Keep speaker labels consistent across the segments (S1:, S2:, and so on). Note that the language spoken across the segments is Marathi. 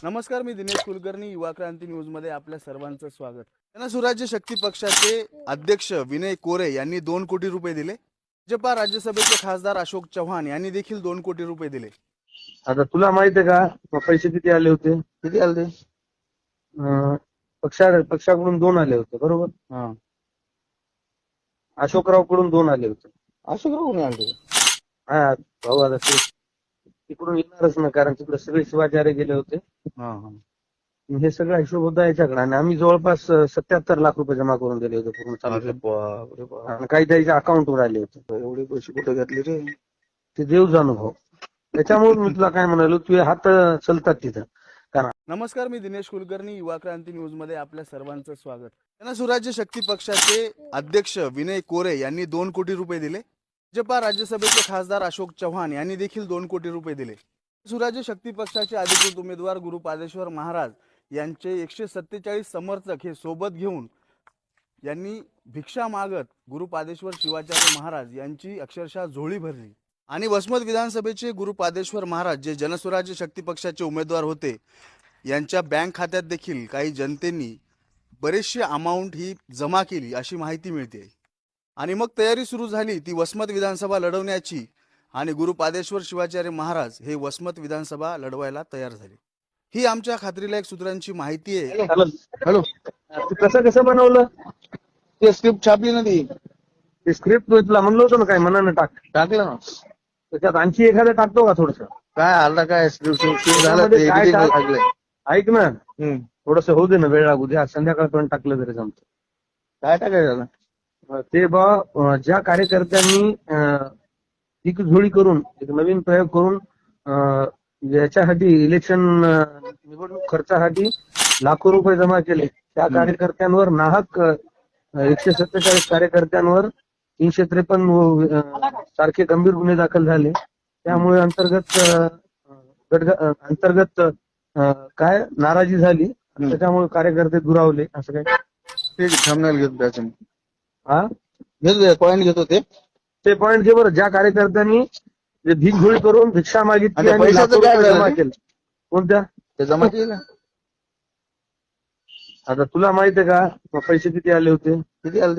S1: नमस्कार, मी दिनेश कुलकर्णी. युवा क्रांती न्यूज मध्ये आपल्या सर्वांचं स्वागत. जनसुराज्य शक्ती पक्षाचे अध्यक्ष विनय कोरे यांनी 2 कोटी रुपये दिले. भाजपा राज्यसभेचे खासदार अशोक चव्हाण यांनी देखील 2 कोटी रुपये दिले.
S2: आता तुला माहित आहे का पैसे किती आले होते?
S1: किती आले?
S2: पक्षाकडून 2 आले होते, बरोबर?
S1: हा,
S2: अशोकराव कडून 2 आले होते.
S1: अशोकराव कोणी आले?
S2: हा भाऊ, आता ते तिकडून येणारच ना, कारण तिकडे सगळे शिवाचार्य गेले होते.
S1: हा हा.
S2: हे सगळा हिशोब होता याच्याकडे, आणि आम्ही जवळपास 77 लाख रुपये जमा करून दिले होते पूर्ण
S1: अरे
S2: चालू.
S1: बाप रे बाप,
S2: आणि काही त्याच्या अकाउंटवर आले होते.
S1: एवढे पैसे कुठे घातले रे?
S2: ते देव जाणू भाऊ. त्याच्यामुळे मी तुला काय म्हणालो, तुझे हात चलतात तिथं.
S1: नमस्कार, मी दिनेश कुलकर्णी. युवा क्रांती न्यूज मध्ये आपल्या सर्वांचं स्वागत. जनसुराज्य शक्ती पक्षाचे अध्यक्ष विनय कोरे यांनी 2 कोटी रुपये दिले. भाजपा राज्यसभेचे खासदार अशोक चव्हाण यांनी देखील 2 कोटी रुपये दिले. सुराज्य शक्ती पक्षाचे अधिकृत उमेदवार गुरुपादेश्वर महाराज यांचे 147 समर्थक हे सोबत घेऊन यांनी भिक्षा मागत गुरुपादेश्वर शिवाचार्य महाराज यांची अक्षरशः झोळी भरली. आणि वसमत विधानसभेचे गुरुपादेश्वर महाराज जे जनसुराज्य शक्ती पक्षाचे उमेदवार होते, यांच्या बँक खात्यात देखील काही जनतेनी बरेचशी अमाऊंट ही जमा केली अशी माहिती मिळते. आणि मग तयारी सुरू झाली ती वसमत विधानसभा लढवण्याची, आणि गुरुपादेश्वर शिवाचार्य महाराज हे वसमत विधानसभा लढवायला तयार झाले. ही आमच्या खात्रीलायक सूत्रांची माहिती आहे.
S2: हॅलो, कसं बनवलं?
S1: ते स्क्रिप्ट छापली ना, ती
S2: स्क्रिप्ट तुला म्हणलं होतं ना, काय मनानं
S1: टाकलं ना.
S2: त्याच्यात आणखी एखादं टाकतो का थोडस?
S1: काय आला काय स्क्रिप्ट
S2: झालं ते ऐक ना, थोडस होऊ दे ना, वेळ लागू दे. आज संध्याकाळपर्यंत टाकलं तरी जमतं.
S1: काय टाकायचं?
S2: ते ज्या कार्यकर्त्यांनी दिगझोळी करून एक नवीन प्रयोग करून याच्यासाठी इलेक्शन निवडणूक खर्चासाठी लाखो रुपये जमा केले, त्या कार्यकर्त्यांवर नाहक 147 कार्यकर्त्यांवर 353 सारखे गंभीर गुन्हे दाखल झाले. त्यामुळे अंतर्गत काय नाराजी झाली, त्याच्यामुळे कार्यकर्ते दुरावले. असं काय
S1: ठीक आहे, थंबनेल घेतो त्याचं.
S2: हा,
S1: घेतो पॉईंट घेतो.
S2: ते पॉईंट घे बरं. ज्या कार्यकर्त्यांनी भिकझोळी करून भिक्षा मागितली आणि
S1: पैशाचं काय
S2: जमा केलं. कोणत्या?
S1: ते जमा केलं.
S2: आता तुला माहित आहे का पैसे किती आले होते?
S1: किती आले?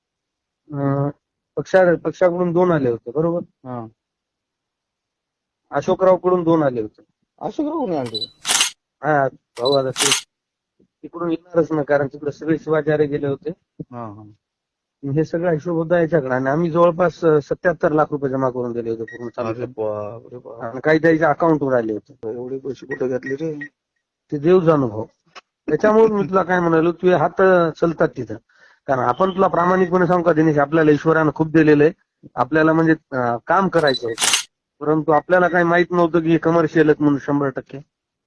S2: पक्षाकडून 2 आले होते, बरोबर?
S1: हा,
S2: अशोकराव कडून 2 आले होते.
S1: अशोकराव कोणी आले?
S2: हा भाऊ, आता ते तिकडून येणारच ना, कारण तिकडे सगळे शिवाचार्य गेले होते.
S1: हा हा.
S2: हे सगळा हिशोब होता याच्याकडे, आणि आम्ही जवळपास 77 लाख रुपये जमा करून दिले होते पूर्ण चालू.
S1: अरे बाप रे बाप,
S2: आणि काही त्याच्या अकाउंटवर आले होते.
S1: एवढे पैसे कुठे घातले रे?
S2: ते देव जाणू भाऊ. त्याच्यामुळे मी तुला काय म्हणालो, तुझे हात चलतात तिथं. कारण आपण तुला प्रामाणिकपणे सांगू का दिनेश, आपल्याला ईश्वरानं खूप दिलेलं आहे. आपल्याला म्हणजे काम करायचं होतं, परंतु आपल्याला काही माहित नव्हतं की हे कमर्शियल आहेत म्हणून. 100%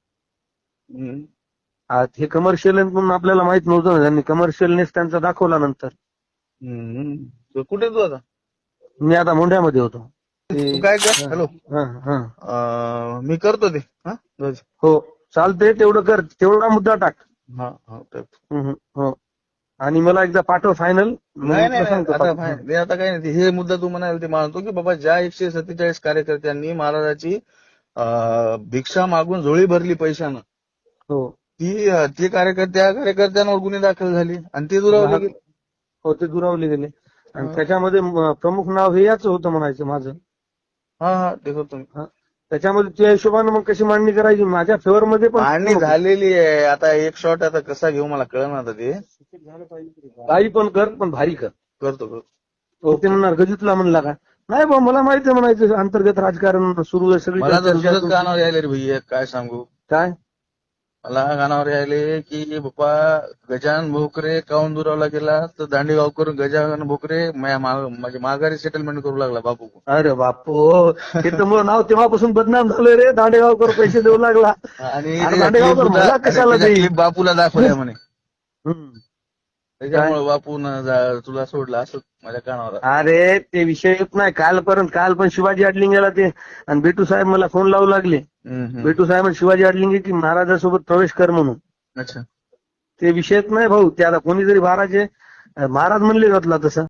S2: हे कमर्शियल आहेत म्हणून आपल्याला माहित नव्हतं ना. त्यांनी कमर्शियलनेस त्यांचा दाखवला नंतर.
S1: कुठे तू आता?
S2: मी आता मोंढ्यामध्ये होतो.
S1: तू काय कर? हॅलो, मी करतो ते.
S2: हो चालतंय, तेवढं कर, तेवढा मुद्दा टाक. हो, आणि मला एकदा पाठव फायनल.
S1: आता काय नाही, हे मुद्दा तू म्हणाल ते मानतो की बाबा ज्या 147 कार्यकर्त्यांनी महाराजाची भिक्षा मागून झोळी भरली पैशानं,
S2: हो
S1: ती कार्यकर्त्यांवर गुन्हे दाखल झाले आणि ते दुरावले गेले.
S2: हो, ते दुरावले गेले. आणि त्याच्यामध्ये प्रमुख नाव हे याच होतं म्हणायचं माझं.
S1: हा, ते करतो मी.
S2: त्याच्यामध्ये त्या हिशोबानं मग कशी मांडणी करायची माझ्या फेवर मध्ये पण
S1: मांडणी झालेली आहे. आता एक शॉट आता कसा घेऊ मला कळलं आता. ते
S2: काही पण कर, पण भारी कर.
S1: करतो.
S2: ते म्हणणार गजितला म्हणला का? नाही बा, मला माहिती आहे म्हणायचं, अंतर्गत राजकारण सुरू आहे सगळी.
S1: मला तर दुसरंच कानावर यायले रे भैया, काय सांगू.
S2: काय
S1: मला कानावर यायले की बाप्पा गजानन भोकरे काऊन दुरावला गेला, तर दांडेगाव करून गजानन भोकरे माझ्या माघारी सेटलमेंट करू लागला बापू.
S2: अरे बापू, हे तर मग नाव तेव्हापासून बदनाम झालं रे. दांडेगावकर पैसे देऊ लागला,
S1: आणि
S2: दांडेगावकर मला कशाला देईल?
S1: बापूला दाखवल्या म्हणे, त्याच्यामुळे बापून तुला सोडलं असं माझ्या कानावर.
S2: अरे ते विषय येत नाही. काल पण शिवाजी अडलिंगेला ते आणि बेटू साहेब मला फोन लावू लागले. बेटू साहेब शिवाजी अडलिंगे की महाराजासोबत प्रवेश कर म्हणून.
S1: अच्छा,
S2: ते विषयच नाही भाऊ. ते आता कोणी जरी महाराज म्हणले जातला तसं